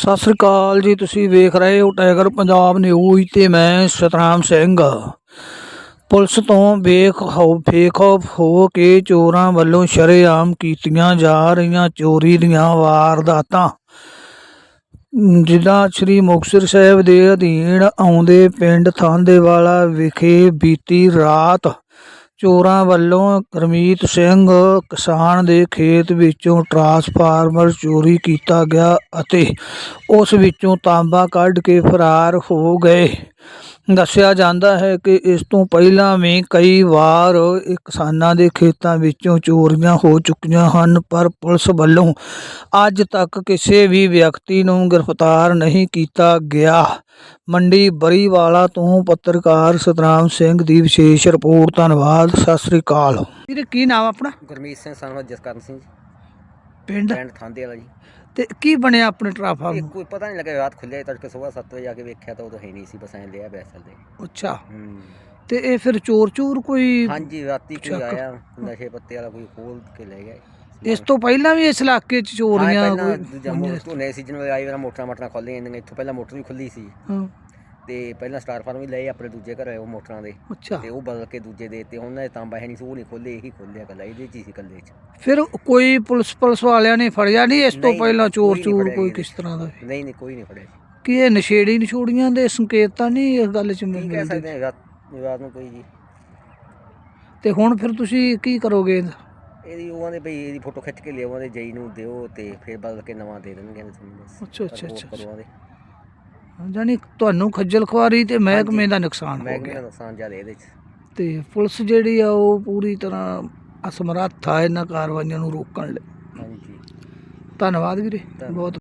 ਸਤਿ ਸ੍ਰੀ ਅਕਾਲ ਜੀ। ਤੁਸੀਂ ਵੇਖ ਰਹੇ ਹੋ ਟਾਈਗਰ ਪੰਜਾਬ ਨਿਊਜ਼ ਤੇ ਮੈਂ ਸਤਨਾਮ ਸਿੰਘ। ਪੁਲਿਸ ਤੋਂ ਬੇਖੌਫ ਹੋ ਕੇ ਚੋਰਾਂ ਵੱਲੋਂ ਸ਼ਰੇਆਮ ਕੀਤੀਆਂ ਜਾ ਰਹੀਆਂ ਚੋਰੀ ਦੀਆਂ ਵਾਰਦਾਤਾਂ। ਜ਼ਿਲ੍ਹਾ ਸ੍ਰੀ ਮੁਕਤਸਰ ਸਾਹਿਬ ਦੇ ਅਧੀਨ ਆਉਂਦੇ ਪਿੰਡ ਥਾਂਦੇਵਾਲਾ ਵਿਖੇ ਬੀਤੀ ਰਾਤ ਚੋਰਾਂ ਵੱਲੋਂ ਗੁਰਮੀਤ ਸਿੰਘ ਕਿਸਾਨ ਦੇ ਖੇਤ ਵਿੱਚੋਂ ਟਰਾਂਸਫਾਰਮਰ ਚੋਰੀ ਕੀਤਾ ਗਿਆ ਅਤੇ ਉਸ ਵਿੱਚੋਂ ਤਾਂਬਾ ਕੱਢ ਕੇ ਫਰਾਰ ਹੋ ਗਏ। ਦੱਸਿਆ ਜਾਂਦਾ ਹੈ ਕਿ ਇਸ ਤੋਂ ਪਹਿਲਾਂ ਵੀ ਕਈ ਵਾਰ ਕਿਸਾਨਾਂ ਦੇ ਖੇਤਾਂ ਵਿੱਚੋਂ ਚੋਰੀਆਂ ਹੋ ਚੁੱਕੀਆਂ ਹਨ, ਪਰ ਪੁਲਿਸ ਵੱਲੋਂ ਅੱਜ ਤੱਕ ਕਿਸੇ ਵੀ ਵਿਅਕਤੀ ਨੂੰ ਗ੍ਰਿਫਤਾਰ ਨਹੀਂ ਕੀਤਾ ਗਿਆ। ਮੰਡੀ ਬਰੀਵਾਲਾ ਤੋਂ ਪੱਤਰਕਾਰ ਸਤਨਾਮ ਸਿੰਘ ਦੀ ਵਿਸ਼ੇਸ਼ ਰਿਪੋਰਟ। ਧੰਨਵਾਦ। ਸਤਿ ਸ੍ਰੀ ਅਕਾਲ। ਵੀਰੇ ਕੀ ਨਾਮ ਆਪਣਾ? ਗੁਰਮੀਤ ਸਿੰਘ ਸਨ ਜਸਕਰਨ ਸਿੰਘ, ਪਿੰਡ ਥਾਂਦੇਵਾਲਾ ਜੀ। ਤੇ ਕੀ ਬਣਿਆ ਆਪਣੇ ਟਰਾਂਸਫਾਰਮਰ? ਕੋਈ ਪਤਾ ਨਹੀਂ ਲੱਗਿਆ, ਰਾਤ ਖੁੱਲਿਆ ਤੜਕੇ ਸਵੇਰ 7 ਵਜੇ ਆ ਕੇ ਵੇਖਿਆ ਤਾਂ ਉਦੋਂ ਹੈ ਨਹੀਂ ਸੀ, ਬਸ ਐਂ ਲਿਆ ਬੈਸਲ ਦੇ। ਅੱਛਾ। ਤੇ ਇਹ ਫਿਰ ਚੋਰ ਕੋਈ? ਹਾਂਜੀ, ਰਾਤੀ ਕੋਈ ਆਇਆ ਨਸ਼ੇ ਪੱਤੇ ਵਾਲਾ, ਕੋਈ ਖੋਲ ਕੇ ਲੈ ਗਿਆ। ਇਸ ਤੋਂ ਪਹਿਲਾਂ ਵੀ ਇਸ ਇਲਾਕੇ 'ਚ ਚੋਰੀਆਂ ਝੋਨੇ ਸੀਜ਼ਨ ਵੇਲੇ ਆਈ ਵਾਰ ਮੋਟਰਾਂ ਖੋਲ੍ਹੀਆਂ ਜਾਂਦੀਆਂ। ਇੱਥੋਂ ਪਹਿਲਾਂ ਮੋਟਰ ਵੀ ਖੁੱਲੀ ਸੀ ਤੇ ਪਹਿਲਾਂ ਸਟਾਰ ਫਾਰਮ ਵੀ ਲਏ ਆਪਣੇ ਦੂਜੇ ਘਰ ਉਹ ਮੋਟਰਾਂ ਦੇ। ਅੱਛਾ। ਤੇ ਉਹ ਬਦਲ ਕੇ ਦੂਜੇ ਦੇ ਤੇ ਉਹਨਾਂ ਦੇ ਤਾਂਬਾ ਹੈ ਨਹੀਂ ਸੀ, ਉਹ ਨਹੀਂ ਖੋਲੇ, ਇਹੀ ਖੋਲਿਆ ਕੱਲਾ, ਇਹਦੇ 'ਚ ਹੀ ਸੀ ਕੱਲੇ 'ਚ। ਫਿਰ ਕੋਈ ਪੁਲਿਸ ਵਾਲਿਆਂ ਨੇ ਫੜਿਆ ਨਹੀਂ ਇਸ ਤੋਂ ਪਹਿਲਾਂ ਚੋਰ ਕੋਈ ਕਿਸ ਤਰ੍ਹਾਂ ਦਾ? ਨਹੀਂ, ਕੋਈ ਨਹੀਂ ਫੜਿਆ। ਕੀ ਇਹ ਨਸ਼ੇੜੀਆਂ ਦੇ ਸੰਕੇਤ ਤਾਂ ਨਹੀਂ ਇਸ ਗੱਲ 'ਚ ਕੀ ਕਹਿ ਸਕਦੇ ਰਾਤ ਨੂੰ ਕੋਈ ਜੀ। ਤੇ ਹੁਣ ਫਿਰ ਤੁਸੀਂ ਕੀ ਕਰੋਗੇ? ਇਹਦੀ ਉਹਨਾਂ ਦੇ ਭਈ ਇਹਦੀ ਫੋਟੋ ਖਿੱਚ ਕੇ ਲਿਆਓ, ਦੇ ਜਈ ਨੂੰ ਦਿਓ ਤੇ ਫਿਰ ਬਦਲ ਕੇ ਨਵਾਂ ਦੇ ਦੇਣਗੇ ਤੁਹਾਨੂੰ ਬਸ। ਅੱਛਾ। ਜਾਨੀ ਤੁਹਾਨੂੰ ਖੱਜਲ ਖੁਆਰੀ ਤੇ ਮਹਿਕਮੇ ਦਾ ਨੁਕਸਾਨ ਹੋ ਗਿਆ। ਮਹਿਕਮੇ ਦਾ ਨੁਕਸਾਨ ਜ਼ਿਆਦਾ ਇਹਦੇ 'ਚ। ਤੇ ਪੁਲਿਸ ਜਿਹੜੀ ਆ ਉਹ ਪੂਰੀ ਤਰ੍ਹਾਂ ਅਸਮਰੱਥ ਆ ਇਹਨਾਂ ਕਾਰਵਾਈਆਂ ਨੂੰ ਰੋਕਣ ਲਈ। ਹਾਂਜੀ। ਧੰਨਵਾਦ ਵੀਰੇ ਬਹੁਤ।